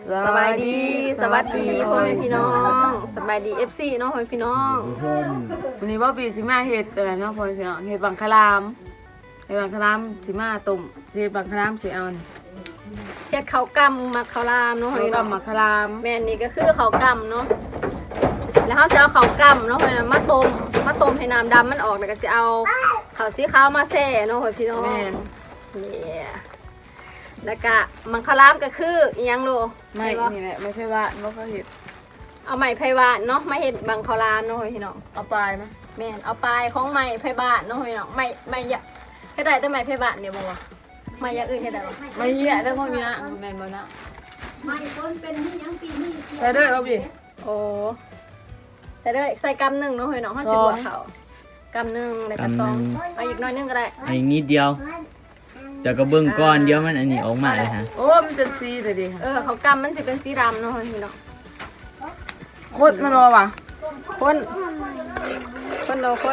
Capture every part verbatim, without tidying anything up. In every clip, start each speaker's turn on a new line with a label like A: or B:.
A: สบายดีสวัสดีพ่อแม่พี่น้องสบายดี เอฟ ซี เนาะพ่อแม่พี่น้อง
B: วันนี้ว่าปีสิมาเห็ดอะไรเนาะพ่อพี่น้องเห็ดบังคลามเห็ดบังคลามสิมาต้มเห็ดบังคลามสิเอาเนี่ย
A: เฮ็ดข้าวกำมักข้าวรามเนาะพ่อ
B: เห็ด
A: พี่น้อง
B: บังคลาม
A: แม่นนี่ก็คือข้าวกำเนาะแล้วเขาจะเอาข้าวกำเนาะพ่อพี่น้องมาต้มมาต้มให้น้ำดำมันออกแล้วก็สิเอาข้าวสีขาวมาแช่เนาะพ่อพี่น้อง
B: แม่น
A: นี่แล้วก็มังคลามก็คืออีหยังโล
B: ไม่นี่แหละไม่ใช่ว่าว่าเขาเห็ด
A: เอาไม้ไผ่บานเนาะมาเฮ็ดบังข้าวรามเนาะพ่อพี่น้อง
B: เอาปลายไหม
A: แม่นเอาปลายของไม้ไผ่บานเนาะพ่อพี่น้องไม้ไม้ยะเฮ็ดได้แต่ไม้ไผ่บานเดียวบ่วะไม้อย่างอื่นเฮ็ดได้บ่
B: ไม่เหี้ยได้พวกนี้นะแม่นบ่นะ
C: ไม่ต้นเป็นที่ยังปีนี้
B: ใส่ด้วยเอาดิ
A: โอ้ใส่เลยใส่กำหนึ่งเนาะเฮ้ยน้องห้าสิบ
B: สอง
A: หัวเขากำหนึ่งแล้วก็สองเอาอีกหน้อยหนึงก็ได้
D: อันนี้นิดเดียวแต่ก็เบิ่งก้อนเดียวมันอันนี้ออกมาเลยฮะ
B: โอ้มันเป็นซีเลยดิ
A: เออเขากำมันสิเป็นสีดำเนาะเฮ้ยน้อง
B: โคตรมันรอว่ะ
A: คนคนโลคน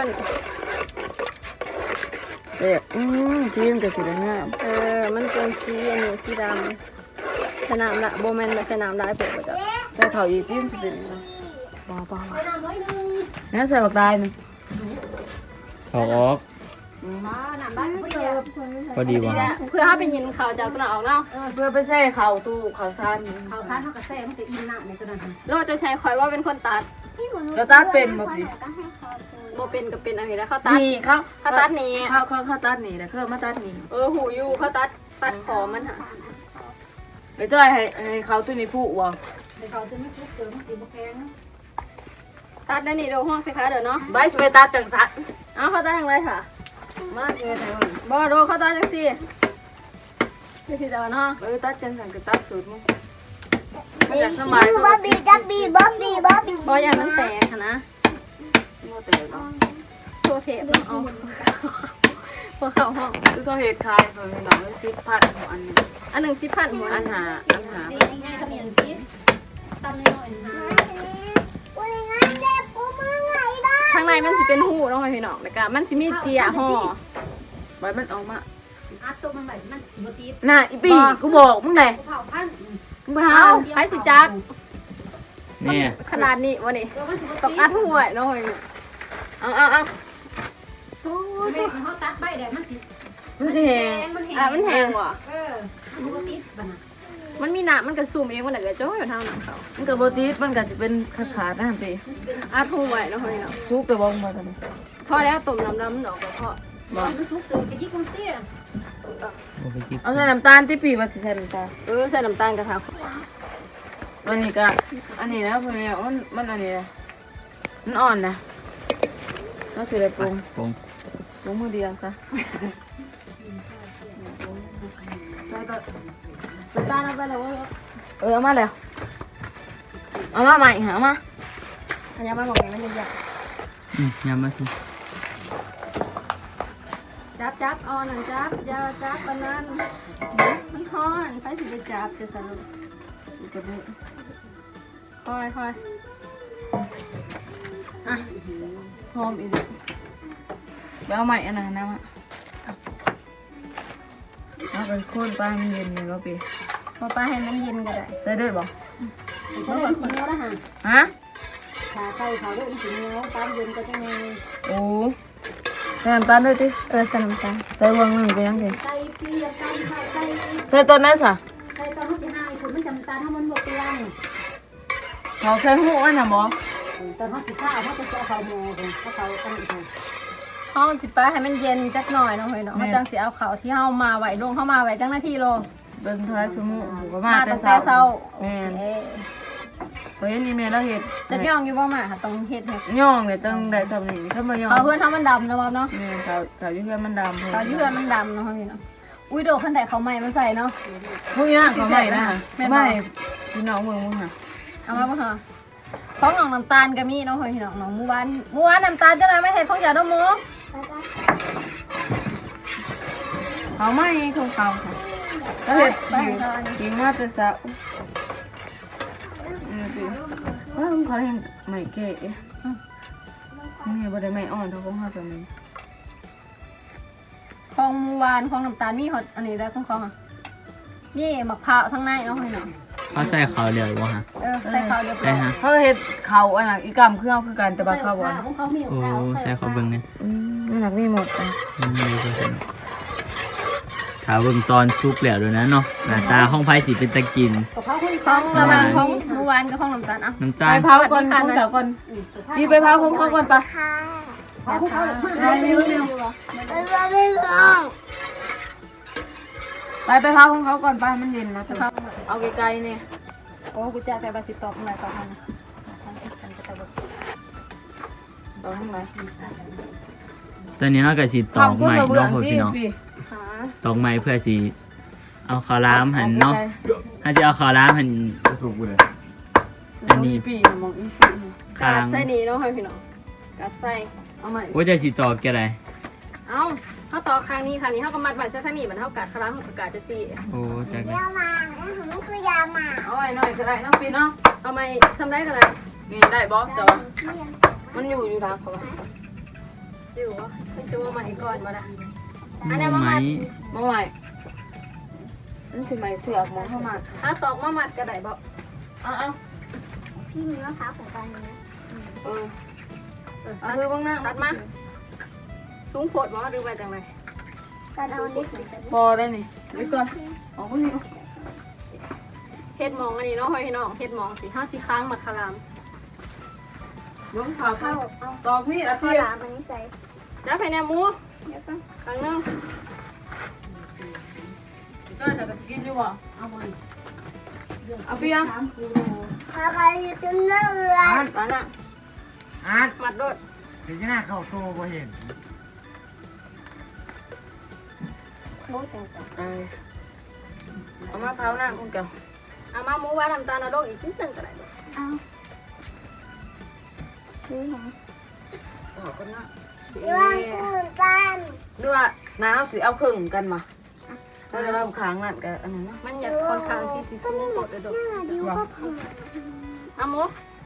B: เด็กอืมทีมกับสีแดงงาม
A: เออมันเป็นสีอันนี้สีดำสนามละโบแมนแบบสนามได้เปิดไปจ้ะ
B: ใส่เขาอีทีมสิเป็นบ้าบ้าเนี่ยใส่บักตายนึง
D: เขาออก
C: หนำบ้านเดียว
D: พอดี
A: ดี
D: ว่า
A: แหละเพื่อให้เป็นยินเขาจากตัวหนาออกเนาะ
B: เพื่อไปใส่เข่าตู้เข่าซาน
C: เขาซ่าเขากระแทกมันจะอินหนักในตัวนั้น
A: โลจะใช้คอยว่าเป็นคนตัด
B: กระตัดเป็นบ่พี่
A: โบเป็นกับเป็นอะไรแล้วเขาตัด
B: นี่เขา
A: เขาตัดนี่
B: เขาเขาเขาตัดนี่นะเขามาตัดนี่
A: เออหูอยู่เขาตัดตัดขอมันหะ
B: ไปจ้อยให้ให้เขาตัวนี้ผู้วะ
C: แต่เขาจะไม่ทุกเกินสีบกแกง
A: ตัดได้นี่เดี๋ยวห้องสิคะเดี๋ยวเนาะ
B: ใบสเปตัสจังสัน
A: เอาเขาตัดอย่างไรค่ะ
B: มาเชิญให้
A: บอโดเขาตัดจังสิจังสิเดี๋ยวเนาะ
B: เออตัดจังสันก็ตัดสูตรมั้งมันจะสมัย
C: บ๊อบบี้บ๊อบบี้บ๊อบบี้บ๊อบบี้
A: บออย่างนั้นแตกค่ะนะ
B: โมเตลเนาะ
A: โซเทปเนาะเอาพอเข้าห้อง
B: คือเขาเห็ดคายเขาเห็ดหนังสิบพันหัวอันนี้
A: อันหนึ่งสิบพันหัว
B: อันหาอันหา
C: ง่ายๆขมิ้นซีตำน้อยๆนะ
A: ข้างในมันสิเป็นหูเนาะพี่น้องแล้วก็มันสิมีเจียห่อ
B: ใบมันออกมา
C: อัดตัวมันแบบมันบตี
B: น่ะอีปีกูบอกมึงไหน
C: เผาพัน
B: มึงไป
A: เอา
B: หา
A: ไปสิจัก
D: เนี่ย
A: ขนาดนี้วะนี่ตกอัดหัวเนาะพี่
B: เอาเอาเอา
C: เด็กเขาตัดใบแดงมันสิ
B: มันจะแหง
C: มันแห้ง
A: อ่ะมันแห้งว่ะ
C: เออมันบตีบ้าน
A: มันมีหนามันกระซุ่มเองมันเดือดจ้อยอยู่ทางหนังเขา
B: มันกับโบตีสมันก็จะเป็นขาดขาดๆนะฮันตี
A: อัดหัวเนาะพี่น้อง
B: ทุกแต่บอกมาทำไม
A: พอแล้วต้มน้ำน้ำมันออกก็พอ
C: มันทุกเกินกระยิ่งเตี้ย
D: บ่ไปจิบ
B: เอาใส่น้ำตาลที่ปีว่าสิใส่น้ำตาล
A: เออใส่น้ำตาลกระทะ
B: อันนี้ก็อันนี้นะเพื่อนมันมันอันนี้นะมันอ่อนนะน่าสิได้ปรุง
D: ปรุง
B: ปรุงมือเดียวซะ
A: น้ำตาลเอาไปแล้วว่า
B: เออเอามาแล้วเอามาใหม่หามา
A: อันนี้มันบอกนี้มันจะยาก
D: อืมยำมาสิ
A: จับจับเอาหนังจับอยาจับอันนั้นมันฮ้อนใครสิไปจับจะสนุก
B: อีกตัวนี้
A: คอยคอยอ่ะ
B: หอมอีกแล้วเอาใหม่อันนั้นนะมะเอาไปโค่นปลามันเย็นเลยก็ปี
A: พอปลาให้มันเย็นก็ได้
B: ใส่ด้วยบ่
C: เขาบอกสีเนื้อละห่าง
B: ฮะ
C: ขาไก่เขาเรื่องสีเนื้อตามเย็นก็จะไง
B: โอ้ใส่น้ำตาลด้วยติ
A: เออใส่น้ำตาล
B: ใส่วงหนึ่งไปยังไง
C: ไก่เปียกไก่ไข่ไก่
B: ใส่ต้นนั้นสะ
C: ไก่ตอนเขาจะให้คุณไม่จำตาถ้ามันบกเตียง
B: เขาใส่หูอันน่ะบ่
C: ตอนเขาสิข้าวเขาจะเจาะเขาโมกันเขาเขาตั้งอีก
A: ห้องสิปลาให้มันเย็นจักหน่อยเนาะเฮ้ยเนาะเขาจังสิเอาเขาที่เฮามาไว้ลงเข้ามาไว้จังหน้าที่โล
B: เดินท้ายชั่วโมงผมก็มา
A: มา
B: แต่
A: ตั้งแต่
B: เช้า
A: เช้า
B: แม่น
A: เอ๊ะ
B: เฮ้ยนี่แม่เราเห็ด
A: จะย่องอยู่บ่มาค่ะต้องเฮ็ดให้
B: ย่องเนี่ยตั้งแต่สมัยนี้ถ้ามาย่อง
A: เขาเพื่อนเฮามันดำนะบ่เนาะ
B: แม่เขาเขาอยู่เพื่อนมันดำ
A: เขาอยู่เพื่อนมันดำเนาะเฮ้ยเนาะอุ้ยโดดคันใดเขาใหม่มันใส่เนาะ
B: พวกนี้เขาใหม่นะ
A: แม่นบ่
B: ไม่พี่น้องเมืองมึงค่ะ
A: เอามาบ่ฮะของน้องน้ำตาลก็มีเนาะเฮ้ยพี่น้องน้องหมู่บ้านหมู่บ้านน้ำตาลจังได๋ไม่เฮ็ดของเจ้าดอกหมู
B: เขาไม่ของเขาค่ะก็เห็ดอยู่กินมาแต่เช้าอืมสิว่าของเขาเห็นใหม่เก๋นี่บ่ได้ใหม่อ่อนเท่าของเขาสมัย
A: ของหมู่บ้านของน้ำตาลมีฮอดอันนี้ได้ของเขาค่ะมีมะพร้าวทั้งในเนาะเฮ้ยเนาะ
D: เขาใส่เขาเดียวบ่ฮะ
A: เออใส่ข้าวเรียบร้
D: ใช่
A: อย
D: ฮะ
B: เขาเฮ็ดเขาอันน่ะอีกำคือเฮาคือกันแต่ว่าเขาบ่อน
C: ของเขามี
D: โอ้ใส่เขาเบิ่งเนี่ย
B: อืมนี่หนักนี่หมดอ่ะ
D: อืมดีจังเลยถ้าเบิ่งตอนซุปแล้วด้วยนะเนาะหน้าตาห้องไผ่สิเป็นตะกิน
C: กับเขาคน
A: ของระหว่างของเมื่อวานกับของน้ำตาลเอ่ะ
D: น้ำ
B: ไป
D: ตาล
B: เผาก่อนของเก่าก่อนพี่ไปเผาของเขาก่อนปะ
C: เขาของเขา
B: ไปเร็วเร็วไปไปเผาของเขาก่อนไปมันเย็นนะเอาไกลๆเนี่ย
A: โอ้กูจะไปบาสิตอบอะไรตอบมัน
B: ต่อข้างใน
D: ตอนนี้เราก็สิตอกใหม่
B: เบื้อ
D: เนาะ
B: ง
D: พ่อ
B: ที่
D: พี่น้อง
B: พี่
A: หา
D: ตอกใหม่เพื่อสิเอาข้าวหลามหั่นเนาะถ้าจะเอาข้าวหลามหั่น
E: สุกเลย
D: อันนี้
B: ปีมองอีซี่
A: กา
D: ข้า
A: ด
D: ง
A: ใส่นี่เนาะให้พี่น้องกาดใส่
B: เอาใหม่
D: ว่าจะสิตอกแกได
A: เอ้าเขาต่อครั้งนี้ครั้งนี้เขาก็มัดไว้ใส่ท่านี่มันเท่ากัดครั้งกาดจะสี่
D: โอ้จักเลย
B: เอาใหม่หน่อยก็ได้น้องปีเนาะ
A: เอาไม้ซ้ำได้กันเลย
B: นี่ได้บอสจ้ะวะมันอยู่อยู่ทางเขาปะ
A: อยู่วะมันจะว่าใหม่ก่อนมาละอันนี้มา
D: ไหม
A: มัด
B: มาใหม่นั่นใช่ไหมเสือกมองเข้ามา
A: ถ้าตอกมามัดก็ได้บ่
B: เอาเอา
F: พี่มีมะพร้าวของกันนะ
B: เออเอาคือบ้างหน้า
A: ตัดมาสูงโพดบ่หรือว่าจังไร
F: การเอาเล็กหรือ
B: พอได้นี่นี่ก่อนเอาคนนี้
A: เฮ็ดหมองอันนี้เนาะพี่น้องเฮ็ดหมองสิห้าสิค้างมัดคาราม
B: บ้งขาเข้าตอกนี่อะ
F: ข้าว
B: พี่
F: หลามอันนี้ใส่
A: แล้วภายในหมู
F: เดี๋ยวก็
A: ครั้งหนึง
B: ก็จะไปกินอยู่บ่เอาไปเอาพี่ยัง
F: ข้าวกันอยู่ตรงนั้นเลย
B: อ่านอ่านอ่ะ
E: อาร์ต
A: มัดโดด
E: เดี๋ยวจะหน้าเข้าโซ่บ่เห็น
F: โอ้ยแต่แต่
B: เอามาเผาหน้าคุณเก่า
A: เอามาหมูไว้น้ำตาลเอาโดดอีกนิดนึงก็ได้บ่
F: เอาดูหน่อย
B: เอาคนหน้า
F: ดูว่าคุณจัน
B: ดูว่าน้าเอาสิเอาครึ่งกันมาเราจะเราค้างนั่นกันอันนั้นนะ
A: มันอยากค่อนข้างที่สิสูงโพดเลยโดด
F: ดูก็พอ
A: เอาหมู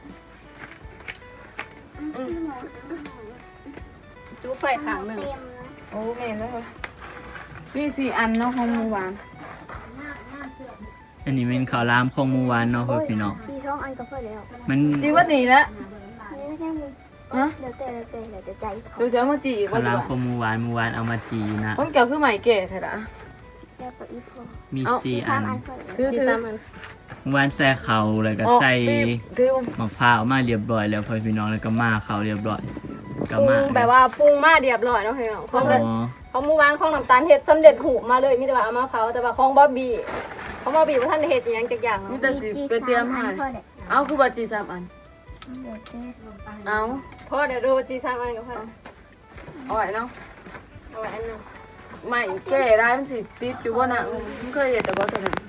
A: จูไฟข้างหนึง
F: เต็มนะ
B: โอ้แม่เลยนี่สี่อันเนาะของเมื่อวาน
D: อันนี้เป็นข้าวหลามของหมู่หวานเนาะพ่อพี่น้อง
F: สี่ช่องอันก็พอแล้ว
D: มัน
B: จีว่าดีแล้ว
F: นี่ไม่ใช่มึง
B: ฮะ
F: เดี๋ยวแต่เดี๋ยวแต่เดี๋ยวแต่ใจเขา
B: ดูเสียมาจีอีก
D: ข้า
B: ว่าว
D: ห
B: ดี
D: ลาม
B: ก
D: ของหมู่หวานหมู่หวานเอามาจีนะ
B: คนเก่าคือใหม่แก่แท้ละ
F: แล้วก็อีกพอ
D: มีสี่
F: สา
D: อั
F: ม
D: น
F: อันพอแล้ว
B: ถือ
A: ที่
B: ถือ
A: ซ้ำมัน
D: หมู่หวานใส่เขาแล้วก็ใส่
B: ถือ
D: มะพร้าวมาเรียบร้อยแล้วพ่อพี่น้องแล้วก็มาเขาเรียบร้อยก็
A: ปรุ
D: มาง
A: แบบว่าปรุงมาเรียบร้อยเนาะพี่น้องเพ
D: อ๋
A: ราะ
D: อ
A: ว่าเขาหมูวางของน้ำตาลเฮ็ดสำเร็จหูมาเลยมีแต่ว่าเอามาเผาแต่ว่าของบ๊อบบี้ของบ๊อบบี้ว่าท่านได้เฮ็ดอหยังจักอย่าง
B: มี
A: เนาะ
B: แต่สิเกเตรียมให้
F: พอแล้ว
B: เอาคือบัจีสามอัน
F: เดี๋ยวแต่
B: เอา
A: พอเดี๋ยวดูจีซ้ำอันก็พอ
B: เอาไว้เนาะ
A: เอาไว้อันหนึง
B: ใหม่แก่ได้มันสิติดอยู่ว่าน่ะมันเคยเห็นแต่ว่าตัวนั้น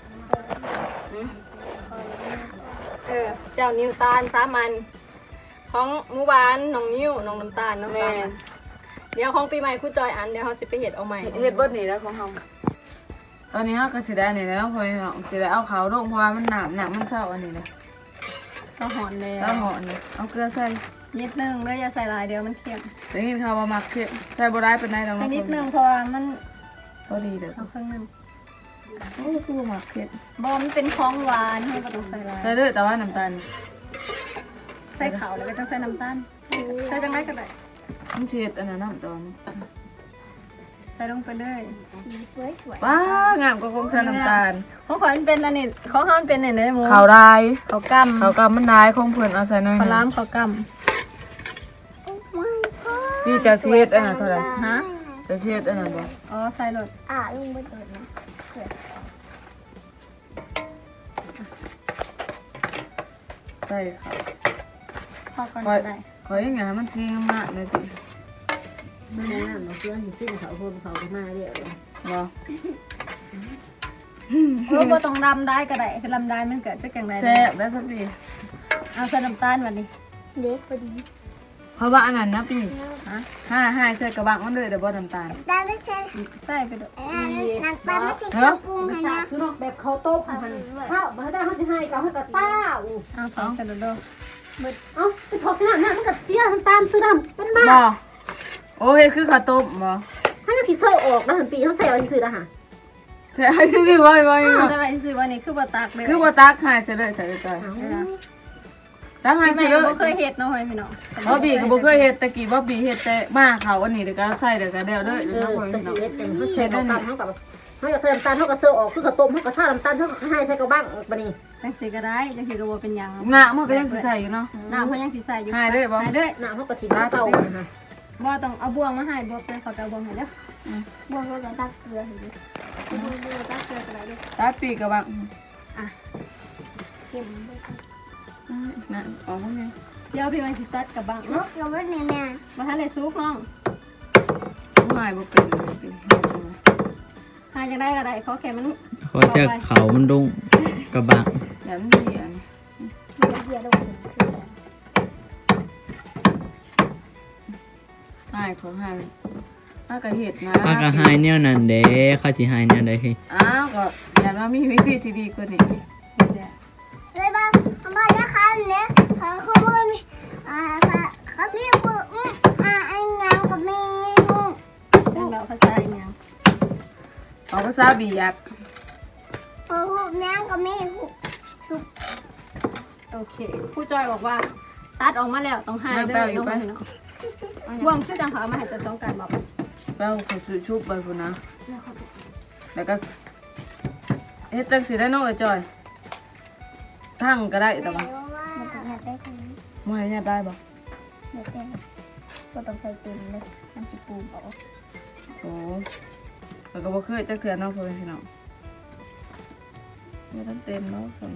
A: เออเจ้านิวตาลสามอันของหมูหวานน้องนิ้วน้องน้ำตาลน้อง
B: แม่
A: สามอันเดี๋ยวของปีใหม่คุณจอยอันเดี๋ยวเขาสิไปเฮ็ดเอาใหม่
B: เฮ็ดเบิดนี่แล้วของเฮาตอนนี้เฮาก็สิได้นี่แล้วพอเนาะสิได้เอาขาวลงเพราะว่ามันหนามหนักมันเศร้าอันนี้เลย
A: สะหอนแล้
B: เศร้าว หอนี่เอาเกลือใส่
A: นิดนึงเด้ออย่าใส่หลายเดี๋ยวมันเค็ม
B: ได้ยินข่าวว่ามักเค็มใส่บ่ได้เป็นไรดอก
A: ใส่
B: เนาะ
A: นิดนึงเพราะว่ามัน
B: พอดีเด้อ
A: เอาครึ่งนึง
B: โอ้คือมักเค็ม
A: บ่มันเป็นของหวานให้บ่ต้องใส่หลาย
B: ใส่เด้อแต่ว่าน้ำตาล
A: ใส่ขาวแล้วก็ต้องใส่น้ำตาลใส่จังไดก็ได้
B: มันสิเฮ็ดอันนั้นน้ำตาล
A: ใส่ลงไปเลย
F: สีสวยสวย
B: ว้างามกว่าคงใส่น้ำตาล
A: ของขอยมันเป็นอันนี้ของเฮามันเป็นอันนี้หมู
B: ขาวได้
A: ข้าวกำ
B: ขาวกำมันได้ของเพิ่นเอาใส่หน่อย
A: ข้าวหล้าม
B: นึง
A: ข้าวก
B: พี่จะสิเฮ็ดอันนั้นเท่าไหร่
A: ำฮะ
B: จะสิเฮ็ดอันนั้นบ่
A: อ๋อใส่รส
F: อ่ะลุงไปเปิดนะ
B: ใส่ค่ะ
A: พอก่อนก็ได้
B: ขออย่างเงี้ยให้มันสีงามๆหน่อยสิ
C: มาแล้วมาเพื่อนสิ้นเขาคนเขามาเดี๋ยว
B: บ่
A: เออบ่ต้องดำได้ก็ได้คือลำได้มันเกิดจากจังได๋
B: แซ่บได้สักปี
A: เอาใส่น้ำตาลบัดนี้
F: เล็กพอดี
B: เพราะว่าอันนั้นนะปีฮะห้าห้าใส่กระบังมันเลยเดี๋ยวบ่น้ำตาล
F: ได้ไม่ใช่
A: ใส่ไปด้วย
F: น้ำตาลไม่ใช่เครื่องปรุงให้นะ
C: คือนอกแบบเขาโต๊ะมันข้าวมาได้เขาจะให้เขาให้กับต้า
A: เอาใส่กระโดด
C: เอ้าไปทอดขนาดนั้นมันกับเชี่ยน้ำตาลซื้อดำเป็นบ้า
B: บ่โอ้เฮ็ดคือข้าวต้มบ่
C: ให้ก็สีเสื้อออกนะหันปีเขาใส่เอาซื้อนะฮะ
B: ใช่ซื่อๆบ่บ่ยัง
A: จะไปซื้อวันนี้คือบ่ตักเลย
B: คือบ่ตักหายซะเลยใส่จอยตักหาย
A: แม่
B: ซะเลย
A: บ่เคยเฮ็ดเนาะพี่น้อง
B: บ่บีก็บ่เคยเฮ็ดตะกี้บ่บีเฮ็ดแต่มาเขาอันนี้เดี๋ยวก็ใส่เดี๋ยวก็เดี๋ยวเด้อ
C: เอ
B: เดี๋ยว
C: อ
B: น้องพ่อ
C: แต่
B: พี่น้อง
C: เฮ็ดแต่เขาใช้น้ำตาลเท่ากับเขาจะใส่น้ำตาลเท่ากับเสือออกคือกับต้มเท่ากับชาน้ำตาลเท่ากับให้ใส่กับบ้างบัดนี้
A: จังสิก็ได้จังสิก็บ่เป็นหยัง
B: หน้ามันก็ยังสิใส่อยู่เนาะ
A: น้ำเพิ่นยังสิใส่อยู่
B: หายเด้อบ่
A: หายเด้อ
C: น้ำเท่ากับถิ่นเต่า
A: บ่ต้องเอาบ่วงมาให้บ่ไปขอไปเอาบ่วงให้เด้อบ
F: วกกับตักเกลือให้ดู
A: บ่วงตักเกลือก็ได้เด้อ
B: ตัดปีกก็บัง
F: เค็มด้วยกัน
B: นั่นออกบ่ไง
A: เดี๋ยวพี่มันสิตัดกับบัง
F: น
A: เนาะ
F: กกับว่าแม่แม่
A: บ่ทันได้สุกน้อง
B: บ่หายบ่เป็น
A: หาจังได้ก็ได้ขอแค่มัน
D: เขาจะเขามันดุงกระบะ
B: เดี๋ยวมันดีอัน
F: เฮียลง
B: หายขอหายถ้าก็เฮ็ดนะ
D: ปลากระหายเนี่ยนั่นเด้เขาสิหายเนี่ยได้คือ
B: อ้าวก็อย่าว่ามีวิธีที่ดีกว่านี้
F: เลยบ้างบ้านจะคันเนี่ยเขาเขาไม่มีอ่าเขาพี่ปุ๊บอ่าอันยังกับแม่ลูก
A: จังเราภาษาอีหยัง
B: เอาภาษาบีอยาก
F: พอพูดแม่กับแม่พูด
A: โอเคครูจอยบอกว่า ตัดออกมาแล้วต้องหายเด้อน้องพี่น้องบ่วงคือจังเขาเอามาให้จะต้องการบอก
B: แป้วขอซื้อชุบไปพุ่นนะแล้วก็เฮ็ดจังสิได้เนาะไอ้จอยทั้งก็ได้แต่ว่า
F: มันอยากได้คนนี้
B: บ่ให้ญาติได้บ่
F: อยากได้ก็ต้องใส่เต็มเลยน้ำสิปูบอก
B: โอ้แล้วก็บ่เคยจักเทื่อเนาะพ่อแม่พี่น้องบ่ทันเต็มเนาะส่วน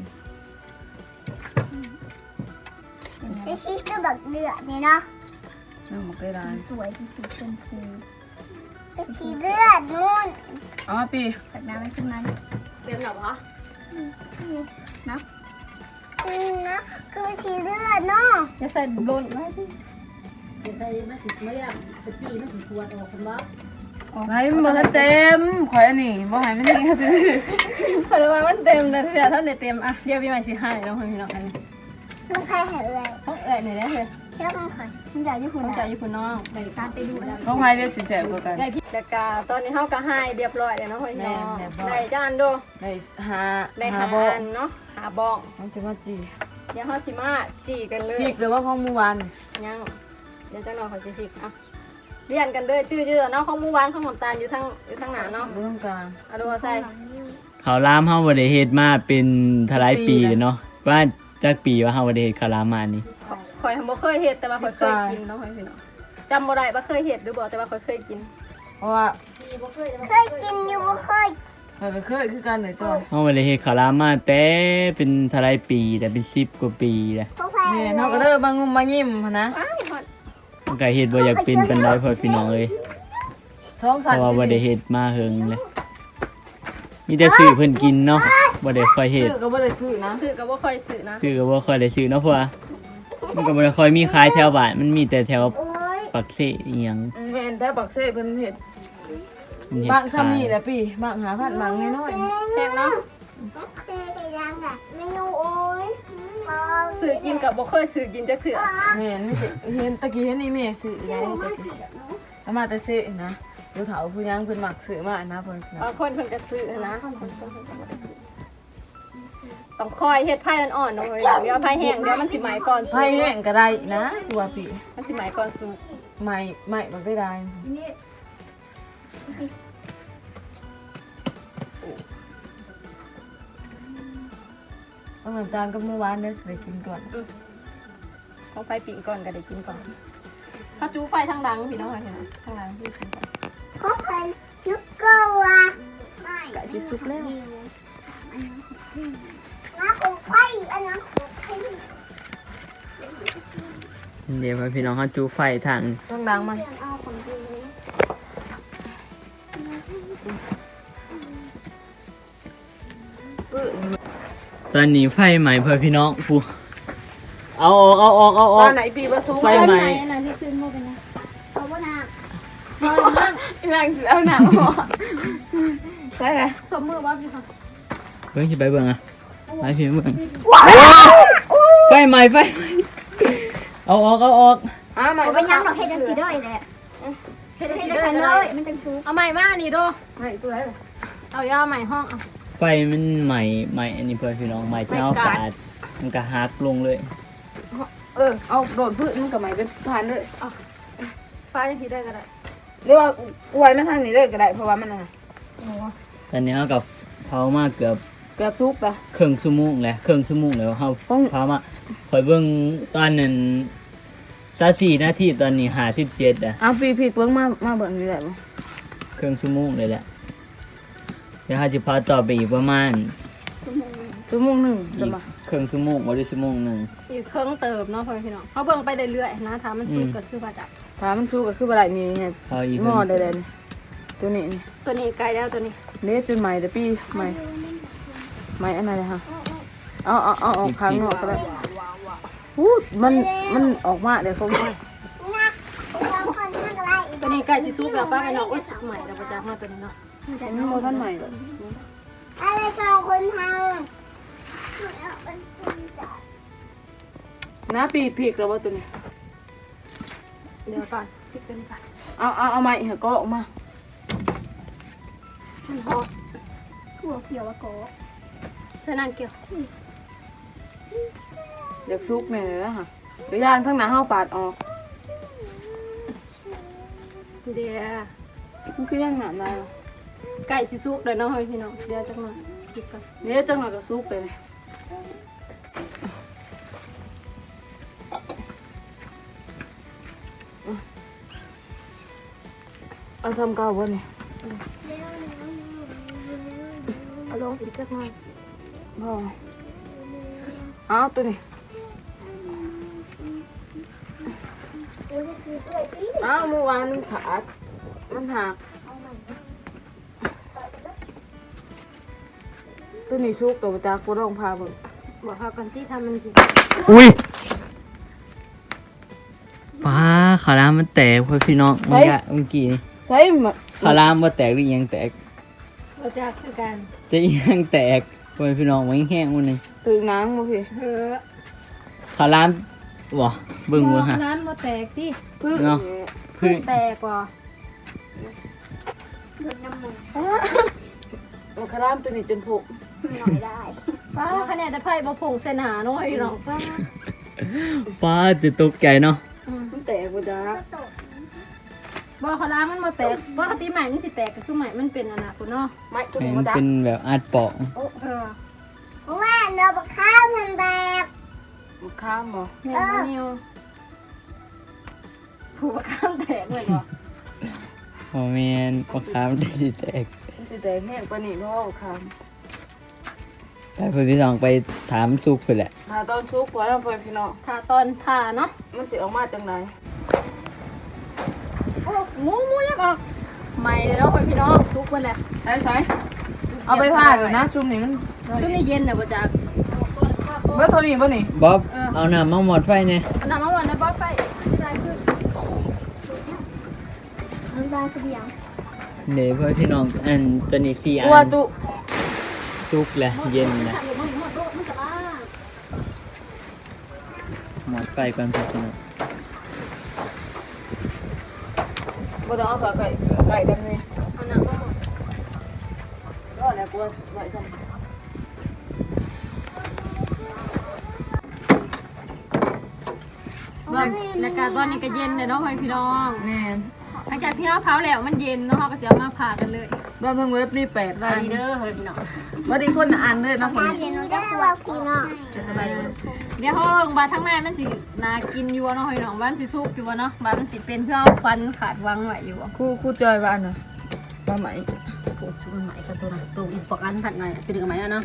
F: ไอชีก็แบบเดือดนี่เนาะ
B: น้องบ่เคยได้
F: สวยที่สุดเป็นคือไอชีเลือดนู่น
B: เอามาปี
F: ตักน้ำให้ขึ้นมา
A: เตรียมแล้วบ่
F: นะอืมนะคือชีเลือดเนาะ
A: อย่าใส่โดนไว้ดิ
C: เป็นได้ไม่ถึงไม่อยากตะกี้ไม่ถึงตัวออกกันว่า
B: ไว้มันบ่ทันเต็มข่อยอันนี้บ่ให้มันนี่ซื่อ
A: เพราะว่ามันเต็มเลยเดี๋ยวท่านได้เต็มอ่ะเดี๋ยวพี่ใหม่สิให้น้องพี่น้องอันนี้
F: ลูกใครเหนื่อย
A: ห้องเอ๋ยนี่ได้เลย
F: เชื่อมันใครมันอยากญี่ปุ่น
A: ห้อง
F: อะ
A: ใจอยู่คุณน้อง
F: ไปการไปดูแล้ว
B: ๆของไผเด้สิแซ่บกว่ากัน
A: ได้พี่ดากาตอนนี้เฮาก็ให้เรียบร้อยแล้วเนาะพี่น้อง
B: แม่นเรียบร้อย
A: ได้จานโด
B: ได้หา
A: ได้
B: หา
A: หา
B: บ่
A: อันเนาะหาบ้อง
B: มันสิมาจี
A: เดี๋ยวเฮาสิมาจีกันเลย
B: พริกหรือว่าของเมื่อวาน
A: ยังเดี๋ยวจังหน่อยเขาสิพริกอ่ะเรียนกันเด้อจื้อๆเนาะของหมู่บ้านของน้ำตาลอยู่ทางอยู่ทางหน้าเนาะ
B: บ่ต้องกลาง
A: เอาดูเอาใส่
D: เขาวหลามเฮาบ่ได้เฮ็ดมาเป็นทลายปีเลยเนาะว่าจักปีว่าเฮาบ่ได้เฮ็ดข้าวหลามมานี่
A: ข่อยบ่เคยเฮ็ดแต่ว่าข่อยเคยกินเนาะพี่น้องจำบ่ได้ว่าเคยเฮ็ดหรือบ่แต่ว่าข่อยเคยกิน
B: เพราะว่า
F: เคยกินอยู่บ่เคย
B: ข้อยก็เคยคือกันเลยจ้อย
D: เฮาบ่ได้เฮ็ดข้าวหลามมาแต่เป็นทลายปีแต่เป็นสิบกว่าปีแล้ว
F: พวกใคร
B: นี่เฮาก็เด้อบางงุมมายิ้มหันนะ
A: อ้ายฮอด
D: มันก็เฮ็ดบ่อยากเป็นปานใดพ่อพี่น้องเอ้ย
B: ท้อง
D: เพ
B: สั่น
D: ราะว่าบ่ได้เฮ็ดมาเฮิงเลยมีแต่ซื้อเพิ่นกินเนาะบ่ได้ค่อยเฮ็ด
B: ซื้อก็บ่ได้ซื้อนะ
A: ซื้อก็บ่ค่อยซื้อนะ
D: ซื้อก็บ่ค่อยได้ซื้อเนาะเพราะว่ามันก็บ่ได้ค่อยมีขายแถวบ้านมันมีแต่แถว
F: โอ้ย
D: ปักเสอีหยัง
B: แม่นแต่บักเซ่เพิ่นเฮ็ด
D: มันเฮ็ด
B: บางซ้ำนี่
D: ขาย
B: แหละพี่บางหาพันบางน้อย
A: แพงเนาะ
F: เคยไปยังอ่ะเมนูโอ้ย
A: ซื้อกินกับบ่เคยซื้อกินจักเทื่อ
B: ๆแม่นนี่สิเห็นตะกี้เห็นนี่แม่ซื้อได้ตะกี้เอามาแต่เซ่นะผู้เฒ่าผู้ยังเพิ่นมักซื้อมานะเพิ่น
A: บางคนเพิ่นก็ซื้อนะต้องคอยเฮ็ดไผ่อ่อนๆเนาะเว้ยเดี๋ยวไผ่แห้งเดี๋ยวมันสิไหม้ก่อนสุก
B: ไผแห้งก็ได้นะตัวพี่
A: มันสิไหม้ก่อนสุก
B: ใหม่ใหม่มันไม่ได้เอาน้ำตาลกับเมื่อวานเด้อสิไปกินก่อน
A: ของไผ่ปิ่งก่อนก็ได้กินก่อนถ้าจูไฟทางหลังพี่น้องเห็นไหมทางหลังที่กินก่อน
F: พวกใครนึกก็ว่าไม่
A: ก็สิสุกแล้ว
F: นะของไฟอันนั้นของไฟ
D: เดี๋ยวพี่น้องเขาจูไฟทาง
B: ต้องดังมา
F: เอาของดีเลย
B: ปื้อ
D: ตอนนี้ไฟใหม่เพื่อพี่น้องผู้เอาออกเอาออกเอาอ
B: ต
D: อ
B: อก นไหนปีประตู
D: ไฟใหม่
A: อันนั้นที่ซื้อมาเป็นไง
F: เอาว่านา
B: นั่งเอาหนังหัวใช่ไหม
A: สมมือว่าพี่ค่ะ
D: เบิ่งสิไปเบิ่งอ่ะไปพี่เบิ่งไฟใหม่ไฟใหม่เอาออกเอาออก
B: อ้าใหม่
F: เอาไปยังดอกเฮ็ดจังสีได้แหละ
A: เฮ็ด
F: เฮ็ด
A: ให้
F: จัง
A: ได้
F: สี
A: เล
F: เลย ยมันจังชู
A: เอาใหม่มานี่ดู
B: ใหม่ตัวไหน
A: เอาเอาย่าใหม่ห้องเอา
D: ไฟมันใหม่ใหม่อันนี้เพื่อนพี่น้องใหม่เจ้า
A: ไม่กาด
D: กาดมันก็หักลงเลย
B: เออเอาโดดพืชมันกับไหมเป็นทานเลย
A: ฟ้ายังคิดได้ก็ได้
B: หรือว่าอวยมันทางนี้เลยก็ได้เพราะว่ามันอะไร
D: ตอนนี้เอากับเผามาเกือบ
B: เกือบทุกปะ
D: ครึ่งชั่วโมงแล้วครึ่งชั่วโมงแล้วเฮา
B: ต้อง
D: เผามาคอยเบิ่งตอนนั้นซาสี่นาทีตอนนี้ห้าสิบเจ็ดอ่ะ
B: เอาปีพีเพิ่งมามาเบิ่งนี่แหละบ่
D: ครึ่งชั่วโมงเลยแหละเดี๋ยวเฮาจะพาต่อไปอีกประมาณ
B: ชั่วโมงหนึ่ง
D: อี
B: จะ
D: ก
B: มา
D: ครึ่งชั่วโมงบ่ได้ชั่วโมงหนึง
A: อีกเครื่องเติมเนาะพ่อพี่น้องเขาเบิ่งไปเรื่อยๆนะถ้ามันสุก
D: อืม
A: ก็คือว่าจะ
B: ถามมันสู้ก็คือบ่ได้นี่ไง
D: เผาอีก
B: หม้อได้เลยนี่ตัวนี้นี่
A: ตัวนี้ไกลแล้วตัวนี้
B: เละจนใหม่แต่ปีใหม่ใหม่อันไหนเลยฮะเอาเอาเอาออกข้างนอกก็ได้อู้มันมันออกมาเดี๋ยวเขา
F: นะเราคนทำอะไรอีก
A: ตัวนี้ไก่สิสุกแล้วป้าไปเนาะโอ้ยสุกใหม่แล้วประจักษ์มาตัวนี้เนาะ
B: มันโมท่านใหม่เลย
F: อะไรสองคนทำ
B: นะปีพีกแล้วว่าตัวนี้
A: เดี๋ยวก่อนพริกตัวนี้ก่อน
B: เอาเอาเอาใหม่เหรอก็ออกมา
A: มันหอม
F: หัวเขียวโก
A: ใส่นางเกี่ยว
B: เดี๋ยวซุกแม่เลยนะฮะเดี๋ยวย่านข้างหน้าห้าปาดออก
A: เดี๋ยว
B: มันคือย่างหนาได้
A: ไก่สิสุกเลยเนาะพ่อพี่น้องเดี๋ยวจักหน่อยพริกก่อน
B: เนี่ยจังหวะก็ซุกเลยเอาทำเก่าบ่เนี่ย
A: เอาลงอีกจักหน่อย
B: บ่เอาตัวนี้เอาเมื่อวานมันขาดมันหักตัวนี้ซุกตัวจากกูต้องพาเบิ่ง
A: บอกเขากันที่ทำมันสิ
D: อุ้ยป้าขาวหลามมันแตกเพื่อนพี่น้องเมื่อกี้เมื่อกี้นี่
B: ใช่มา
D: ขาวหลามบ่แตกหรืออิหยังแตก
A: เราจะคือกัน
D: จะอิหยังแตกเพื่อนพี่น้องมันแห้งๆมันนึง
B: ตื่นน้ำบ่พี่
A: เฮ้อ
D: ขาวหลามบ่เบิ่งบ่ฮะ
A: ร้านมาแตกที่
B: พึ่ง
D: เนาะ พึ่ง
A: แตกกว่า
B: มันคารามตัวนี้จนผก
F: หน่อยได้
A: ป้าคะแนนแต่ไพ่บ่ผงเส้นหาน้อยหรอกป้า
D: ป้าจะตกใจเนาะ
B: มันแตกบ่จ้า
A: บ่เขาล้างมันมาแตกปกติใหม่มันสิแตกก็คือใหม่มันเป็นอนาคตเนาะ
B: ไม่ตัว
D: ให้
B: นี้
D: มั
B: บ่
D: น
B: จ้า
D: เป็นแบบอาดเปาะ
A: เออ
F: ว่าเราไปข้าวมันแบก
B: มันข้ามบ่
A: แม่บ่นิวผู้ประกันแตกเลยบ่
D: โอ้แม่นปลาคาร์ฟได้สิแตก
B: มันสิแตกแห้งปานนี้บ่เอาข้าม
D: ไปเพื่อนพี่น้องไปถามสุกไปแหละ
B: ถ้าตอนซุกไว้แล้วเพิ่นพี่น้อง
A: ถ้าตอนผ่าเนาะ
B: มันสิออกมาจังได๋
A: หมูหมูยักออกใหม่เลยเนาะพี่น้องซุกเพิ่นแหละ
B: ใส่ใส่เอาไปผ่าเลยนะจุ่มนี่มัน
A: ซึ่งนี่เย็นน่ะบ่จัก
B: เบิดเท่านี้บ่นี่
D: บ๊อบเอาน้ำมาหมดไฟเนี่ย
A: เอาน้ำมาหวานในบ่อไฟใส่ขึ้น
F: มันได้เสียง
D: เดี๋ยวเพื่อนพี่น้องอันตัวนี้สี่อั
B: ตัวน ตุ
D: สุกแหละเย็นแหละ
A: ถ้าอยู่มันหมดโลกมันจะมา
D: หมดไฟก่อนพี่น้อง
B: บ่ต้องเอาฝาไก่ไก่กันนี่
A: เอาน้ำมาหมด
B: รอแล้วกูไว้ซั่น
A: แล้วก็ตอนนี้ก็เย็นเลยเนาะพี่น้อง
B: แม่น
A: หลังจากที่เราเผาแล้วมันเย็นเนาะเราก็สิเอามาผ่ากันเลย
B: รอบทั้งเว็บนี่แปด
A: สบาย
B: อัน
A: ดีเด้อพี่น้อง
B: บ่ดีคนละอันเลยนะคน
F: เดี๋ยวหนูจะควบพี่น้อง
A: สบายดีเดี๋ยวเขาเบิ่งบาทั้งในมันสิน่ากินอยู่บ่เนาะพี่น้องบ้านสิสุกอยู่บ่เนาะบ้านมันสิเป็นเพื่อเอาฟันขาดวางไว้อยู่บ่
B: ครูครูจอยว่าอันน่ะว่าไหม
C: โอ้ชุบมันใหม่กับตัวนั้นตัวอีกปอกอันผัดหน่อยตัวนึงกับไหมอะเนาะ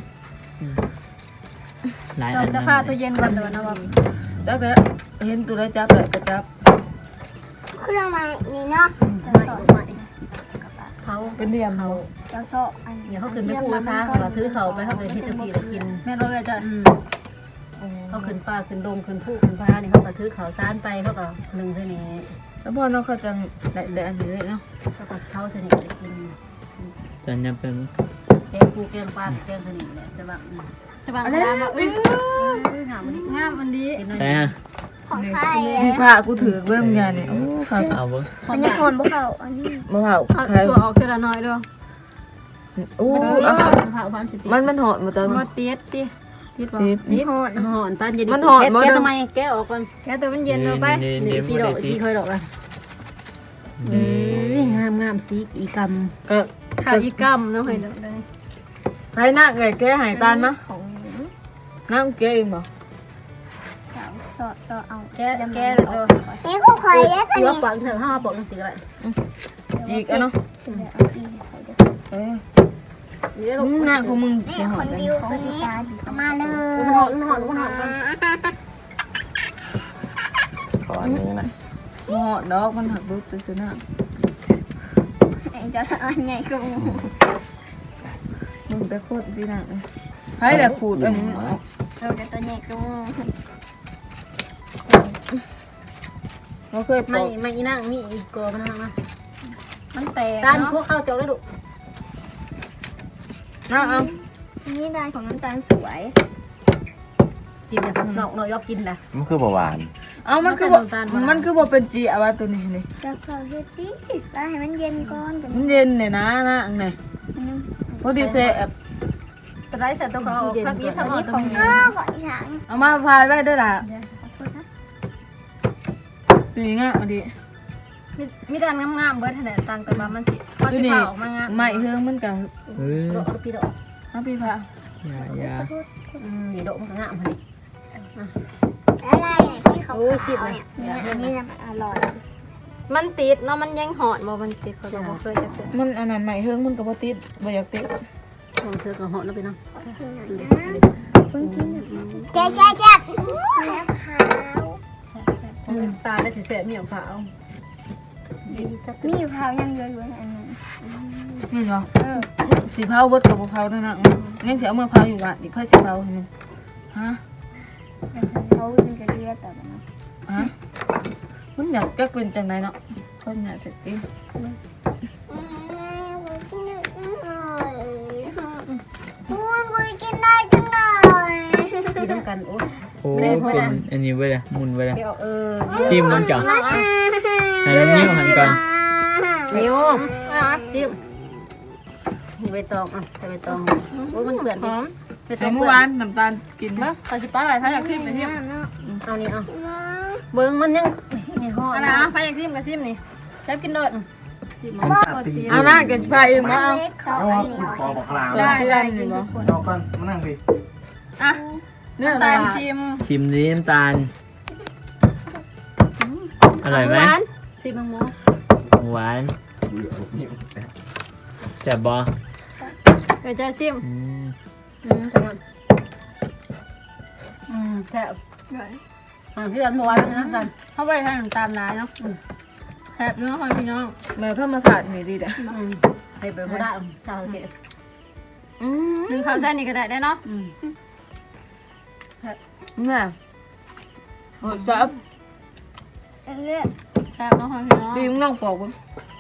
D: หลาย
A: เรา
D: อัน
A: จะ
D: นะ
A: ฆ่าตัวเย็นก่อนเด้อนะว่า
B: จับแล้วเห็นตัวได้จับเลยก็จับ
F: เครื่องไม้นี่เนาะ
A: จะใส่ใหม่
C: เขา
B: เป็นเดียมเขา
F: เจ้าโซอัน
C: เดี๋ยวเขาขึ้นไปพูดนะคะเขาถือเขาไปเขาไปที่ตะชีแล้วกิน
A: แม่เลยจ้ะ
C: อืมเขาขึ้นป่าขึ้นดงขึ้นผู้ขึ้นพาเนี่ยเขาก็ถือเขาซ่านไปเขาก็หนึ่งเท่านี้
B: แล้วพอเนาะเขาจังได้ได้อันนี้เลยเนาะ
C: เขาก็เขาสนิทจะกิน
D: ตอนนี้เป็น
C: แกงปูแกงปลาแกงสนิทเนี่ยใช่ป่ะ
A: ใช่ป่ะงามเอ้ย
C: งามมันดี
A: งามอันนี้
C: กินหน่อย
D: ใช่ฮะ
F: ของใคร
B: พี่ผ้ากูถือเบิ่มยาเนี่ยโอ้ค่ะ
D: เอาเบิ้ง
F: มันจะคนพวกเขาอันนี้
B: มะพร้าว
A: เอา
B: ใคร
A: ตัวออกทีละน้อยเด้อ
B: โอ้
C: มัน
B: อ่ะ
C: เผาความสิติ
B: มันมันหอดมาตอน
A: มาติดติติดบ่
B: ติด
C: นี่หอนหอนปานจะดิ
B: มันหอนบ่
C: แกะ
B: เด้อ
C: ทำไมแกะออกก่อน
A: แค่ตัวมันเย็นเอาไป
D: นี่
C: นี่
D: นี่
C: สีดอกสีค่อยดอกอ่ะเอ้ยงามงามสีอีกำ
B: ก็
A: ข้าวอีกำเนาะเฮ้ยเนาะได้
B: ใครหน้าเงยแก้หายตานมะ
F: ของ
B: น้าแก้เองบ่
F: สาวสอสอเอา
C: แกะแกะเออ
F: นี่กูคอยแล้วกัน
C: เสือ
F: นี่
C: ปากเสือห้าปากจังสีก็ได้
B: อีกอ่ะเนาะเออ
C: นี่ได้
B: อื
C: ลูก
B: มหน้าของมึง
F: นี่
B: สิห
F: ค
B: อด
F: น
B: กัน
F: ดิวตัวนี้มาเลย
C: มันหอนมันหอนมันหอนมัน
E: ขออันนี้นะ
B: บ่หอดดอกมันหักรุดซื่อๆหน้า
F: ไอ้เจ้าอันใหญ่กู
B: มึงไปโคตรดีหน้าเลยใครแหละขูดเอ้ยมันออก
F: เราจะตัวใหญ่กู
B: เราเคยป
C: ไม่
B: อก
C: ไม่อีนั่งมีอีกกอมันนั่งมา
A: มันแตก
C: ตาน
A: เนาะ
C: พวกข้าวจอกได้ลูก
B: น้าเอา
F: นี่ลายของน้ำตาลสวย
C: กินเนี่ยนอกนอกยอกกินนะ
E: มันคือเบาหวาน
B: เอามันคือบ่มันคือบ่เป็นจีเอาว่าตัวนี้นี่
F: จะขอเฮ็ดดิลายให้มันเย็นก่อนกัน
B: มันเย็นเนี่ยนะนะอันไหนพอดีเซแอบ
A: ตัวไรใส่ตัวเขาออกทับอีทับออกตัวนี้
F: เออก่อนฉัน
B: เอามาพายไว้ด้วยล่ะ
F: ขอโทษนะ
B: ตัวนี้ง่ายเอาดิ
A: มีมีแต่งามๆเบิดขนาดตังแต่ว่ามันสิพอ
B: ตัว
A: สิ
B: นี้
A: เผาออกมางาม
B: ไม่เฮืองมันกับ
D: เออ
C: ดอกพี่ดอก
B: เอาพี่พา
D: อย่าอย่า
C: อืมนี่ดอกมันก็งามพอดี
F: อะไรที่เขา
C: โอ้ยสิบ
F: ขาว
C: นะ
F: เนี่ยอันนี้นะอร่อย
A: มันติดเนาะมันยังหอนบ่มันติดเขาก็บ่เคยจะเจอ
B: มันอันนั้นไม่เฮืองมันกับบ่ติดบ่อยากติด
C: ของเธอก็เหาะแล้วไปเนาะ
F: กินหน่อยนะแจ๊ะแจ๊ะแจ๊ะแล้วขาว
C: ตาได้สีแสบมีของขาว
F: มีอยู่ขาวยังเยอะอยู่อันนั้น
B: นี่เหรอ
F: เออ
B: สีเผาเบิดกับบ่เผาด้วยนะยังสิเอามือเผาอยู่ว่ะอีกค่อยสิเผาให้มันฮะ
F: เขามันจะเรียกแต่ว่า
B: ฮะมันอยากแก้เป็นจังไดเนาะคนอยากเสร็จติ
F: กินได้จังเลย
C: กินน้ำกันโอ้
D: โอ้เป็นอันนี้ไว้เลยมุนไว้เลย
C: เดี๋ยวเออ
D: ชิมน้ำจังให้น้ำนิ้วหันก่อน
C: นิ้วชิมนี่ใบตองอ่ะใส่ใบตองโอ้มันเปื่อน
A: หอม
C: ใบต
B: แต่
C: อง
B: เมื่อวานน้ำตาลกินบ่
A: เขาสิป้าอะไรพายอยากซิมไปซิม
C: เอานี่เอาเบิ้งมันยังนี่ห่อ
A: อะไรอ่ะพายอยากซิมก็ซิมนี่จับกินโดด
B: เอาหน้ากันพาเองบ่เอา
F: เล็กสอง
E: เอา
F: อันนี้
E: คุณคอบอกลา
A: ได้ได้กิน
B: บ่
A: ทุกคน
E: เอาก่อนมานั่งดิ
A: อ่ะ
B: เนื้อ
A: น้ำ
B: อะไร
A: ตาลชิม
D: ชิมนี้น้ำตาลอร่อยไหม
A: หวาน
C: ชิมมังโม
D: หวานแซ่บบ่
A: เดี๋ยวจะซิม
D: อืม
C: อืมจังงั้นอืมแซ่บอ่าพี่อันเมื่อวานนี่นะจัน
A: เข้าไปทางน้ำตาลร้ายเนาะแซ่บเนื้อหอยพี่น้อง
B: แมวธรรมศาสตร์นี่ดีเด้อ
C: อืมให้ไปบ่ได้เจ้าเก๋
B: อืม
A: หนึ่งข้าวแซ่นี่ก็ได้ได้เนาะ
C: อืม
B: น่ะโอ้จับ
F: เลือก
A: แซ่บเนาะหอยพี่น้อง
B: ดีมึงลองปอกบ่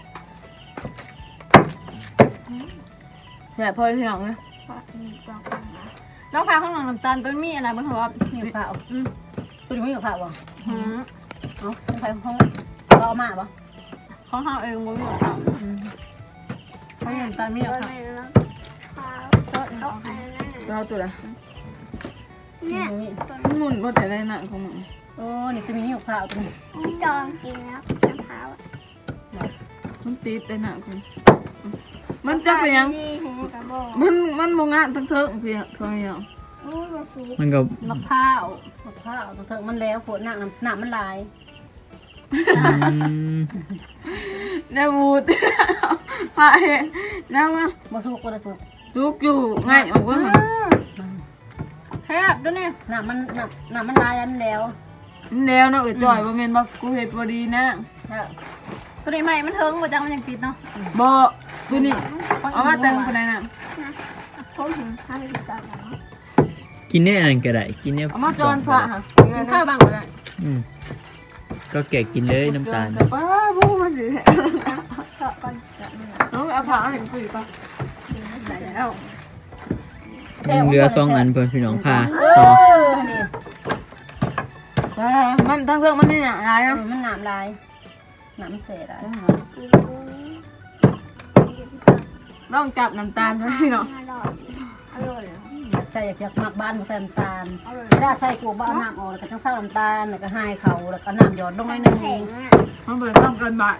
B: แซ่บพอพี่น้องเอ้ย
A: น้องพาข้างหลังน้ำตาลต้นมีอะไรบ้างคะว่า
C: มีกับข้าวอืมตัวนี้ไม่มีกับข้าวบ่
A: หืม
C: เอ้าใครห้องก็เอามาบ่
A: ของข้าวเองบ่มีข้าวเขาน้ำตาลมี
F: ตัว
A: ข้าว
F: ไหนแล้วขาวเขาอันนั้น
B: เราตัวละ
F: เนี่ย
C: มี
B: มันหมุนบ่แต่ได้หนังของมึง
C: โอ้นี่จะมีกับข้าวตัวนี้
F: จองกินแล้วมะพร้าว
B: มันติดได้หนังของมันจะเป็นหยัง
F: ดีหูกระบอก
B: มันมันบ่งานทั้งเทิงเพียงเท่านี้เอา
F: โอ้ยมาสู
D: มันก็
C: มะพร้าวมะพร้าวตัวเถิงมันแล้วฝนหนักหนักมันลาย
D: อืม
B: ได้บูด พาเห็นแล้วว่า
C: บ่สุกก็ได้สุก
B: ลูกอยู่ง่ายออกว่า
A: แซ่บตัวนี้
C: หนักมันหนักหนักมันลายอันแล้ว
B: แล้วเนาะเอ้ยจ่อยบ่แม่นว่ากูเฮ็ดบ่ดีนะ
A: ตัวนี้ใหม่มันเทิงบ่จังมันยังติดเนาะ
B: บ่ตัวนี้เอามาแต่งคนใดน่ะ
F: ผมถึงข้าวที่ตาแล้ว
D: กินเนี่ยอันก็ได้กินเนี่ย
B: เอามาจอนพระค่ะ
A: กินข้าวบ้างก็ได้
D: อืมก็แกะกินเลยน้ำตาล
B: ป้าบูมันสิ
F: ก็ก่อนจะมี
B: น้องเอาผ้าให้คุยป่ะ
A: ได้แล้ว
D: ยังเหลือสองอันเพื่อนพี่น้องพา
C: เอ
D: ต่อ
C: อนี่
B: อ่ามันทั้งเรื่องมันนี่น่ะหลาย
C: เอ
B: เนาะ
C: อมันหนามลายหนามเศษอะไร
F: ม
B: ลองจับน้ำตาลไว้พี่น้อง
F: อร่อยอร่อย
C: อยากใส่อยากอยากหมักบ้านบ่ใส่น้ำตาลถ้าใส่กลัวบ้าน้ำออกแล้วก็ต้องใส่น้ำตาลแล้วก็ให้เขาแล้วก็น้ำหยอดลงหน่อยหนึง
F: แข็งอ่ะ
B: มันเปิดทำกันบาท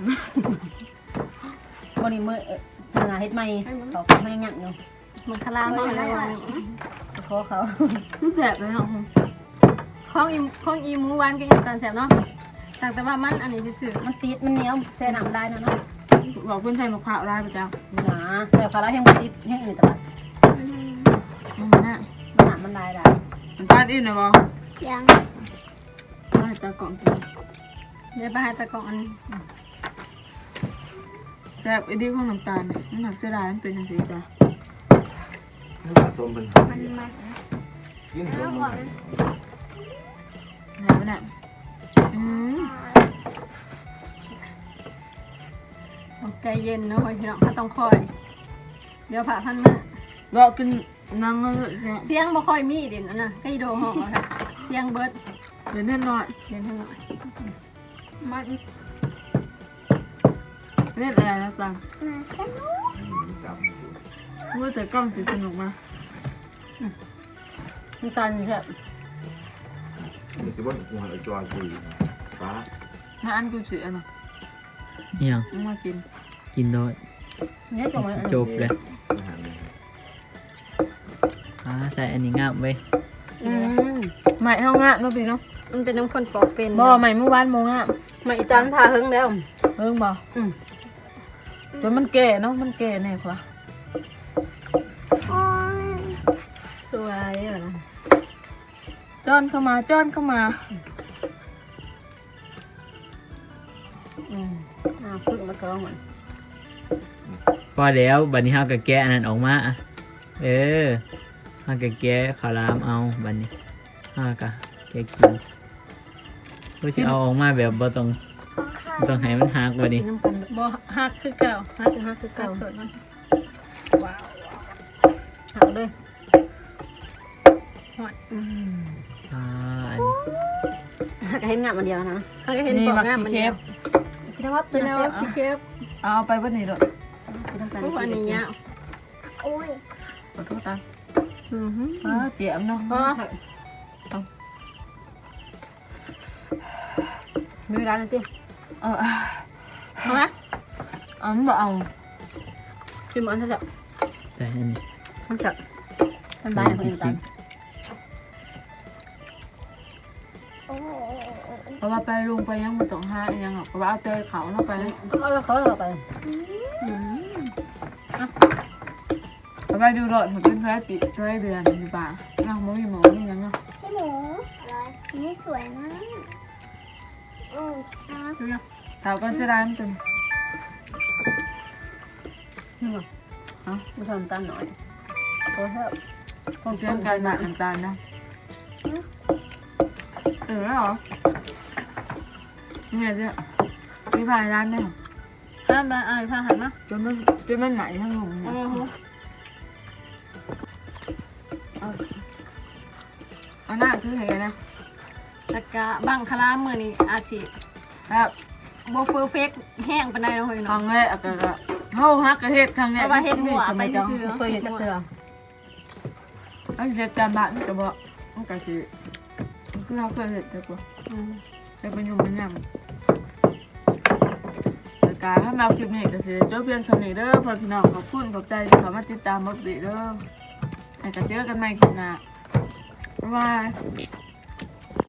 C: วันนี้มื้อเอ่อนาเฮ็ดใหม่เขาไม่ยังยังอยู่
A: มันคลามเขาอะไรอย่างนี้
C: ขอเขา
B: คือแสบเลยเนาะ
A: ข้องอีข้องอีหมูหวานกับอีน้ำตาลแซ่บเนาะต่างแต่ว่ามันอันนี้ซื่อ
C: มันติดมันเหนียวใส่น้ำลายนะเนาะ
B: บอกเพื่อนใส่มะพร้าวได้ประจ
C: หนาแต่พาราแห้งบ่ติดแห้งในตลาด
B: ำมันน่ะ
C: มันหนามันลายได้
B: น้ำตาลอิ่มนะบอ
F: ยัง
B: ได้ตากล่องกิน
A: ๆเดี๋ยวไปหาตะกร้องอันนี้
B: แสบไอ้ดีของน้ำตาลเนี่ยมันหนักเสียดายมันเป็นยังไงจ้ะ
E: นี่ปลาต้มเป็น
F: มันมัน
E: กินต้มมัน
B: หายไปไหนอืม
A: ต้องใจเย็นเนาะพี่น้องถ้าต้องคอย เดี๋ยวผ่าพันมา
B: เรากินนังแล้วเนี่ย
A: เสียงบ่ค่อยมีเด่นอันน่ะใกล้โดห้องเอาค่ะเสียงเบิด
B: เดี๋ยวแน่นอน
A: เด่นเท่านั้นมัน
B: เล่นอะไรนะตัง
F: มาแค่นู้น
B: ว่าแต่กล้องสิสนุกมา
C: น้ำตาลใช่
E: นี่คือว่ากูหาจอยกูฟ้า
B: ถ้าอันกูสิอันน่ะ
D: อิหยัง
B: มึงมากิน
D: กินโดย
C: เนี่ยตรงนั้น
D: จบเลย
E: อาหารเนี่ย
D: อ่าใส่อันนี้งามเว้ย
C: อืม
B: ใหม่เฮางะเนาะพี่เนาะ
A: มันเป็นน้ำคนปอกเป็น
B: บ่ใหม่เมื่อวานโมงอ่ะ
C: มาอีตานพาเฮิงแล้ว
B: เพิ่งบ่
C: อืม
B: จนมันแก่เนาะมันแก่แน่กว่า
F: โอ้ย
C: สวยอ่ะนะ
B: จ้อนเข้ามาจ้อนเข้ามา
C: อืมอ่าพึ่งมาซ้อมเหมือน
D: พอแล้วบัดนี้เฮาก็แกะอันนั้นออกมาอะเออเฮาก็แกะข้าวหลามเอาบัดนี้เฮาก็แกะกินเพื่อสิเอาออกมาแบบบ่ต้องบ่ต้องให้มันหักบัดนี้
C: กินน้ำกัน
A: บ่ฮักคือเก่า
C: ฮักฮักคือ
A: กั
C: เก่า
A: ดสดมัน
C: หักเลย
A: หอด
C: อืม
D: อ่าอันนี้
C: หักให้งามมันเดียวนะ
A: เขาก็เห็น
B: นี่
A: ปอก
B: มัก
A: งามมัน
B: ขี้
A: เดี
B: เค็
A: ยว
B: บ
C: กินน้ำวับ
A: เป็
C: กิ
A: น
C: น
A: แน
C: น้ำ
A: ว
C: เสียบ
A: ที่เชฟ
B: เอาไปเวันนี้ด้วย
C: กินน้ำกัน
A: พวกอันนี้ยาว
F: โอ้ย
B: ขอโทษตา
A: อือฮึ
B: เออเจียมเนาะ
A: พอ
C: มีเวลาหนึ่งที
B: เออ
A: เอาไหม
B: เอามันบ่เอา
C: ชิมอันเท่าไหร่
D: ใส่อันนี้
C: มันจับมันบายคนอื่นตาม
F: โอ้ย
B: เพราะว่าไปลุงไปยังบ่ต้องหาอีหยังหรอกเพราะว่าเอาแต่เขาเนาะไป
C: เขาเอาเขาเอาไป
B: เอาไปดูรถมันเป็นเท่าไหรปีเท่าไหรเดือนอยู่ป่าเนาะบ่มีหมอนี่ยังเนาะ
F: พี่หมูอะไรนี่สวยมากอืมอ่ะ
B: ดูยังเท่ากันเสียดายมันเป็น
C: มันทำตาหน่อยเขาชอบ
B: เสียงการหนักน้ำตาลนะเออเหรอเนี่ยเจ้ามีพายร้านเนี่ย
A: ห้ามมาอ่านพาหันมา
B: จนมันจนมันไหนทั้งหมด
A: โอ้
B: เนี่ย
A: โห
B: เอาหน้าคือไงนะ
A: ตะกะบังคลามมือนี่อาชีพ
B: ครับ
A: โบเฟอร์เฟกแห้งปานใดเนาะเฮ้ย
B: ครั้
A: เนาะ
B: งแรกอะก็เฮาฮักกระเฮ็ดครั้งแรก
A: เอาว่าเฮ็ดหัวไปซื่อ
C: เคยเห็นจักเตือ
B: เอาเฮ็ดจานบาทมันก็บ่มันก็สิคือเฮาเคยเฮ็ดจักว่า
A: อืม
B: แต่เป็นอยู่มันยำแต่การถ้าเราคลิปนี้ก็สิจบเพียงเท่านี้เด้อพ่อพี่น้องขอบคุณขอบใจที่เข้ามาติดตามบัดดีเด้อให้กันเจอกันใหม่คลิปหน้าบ๊ายบาย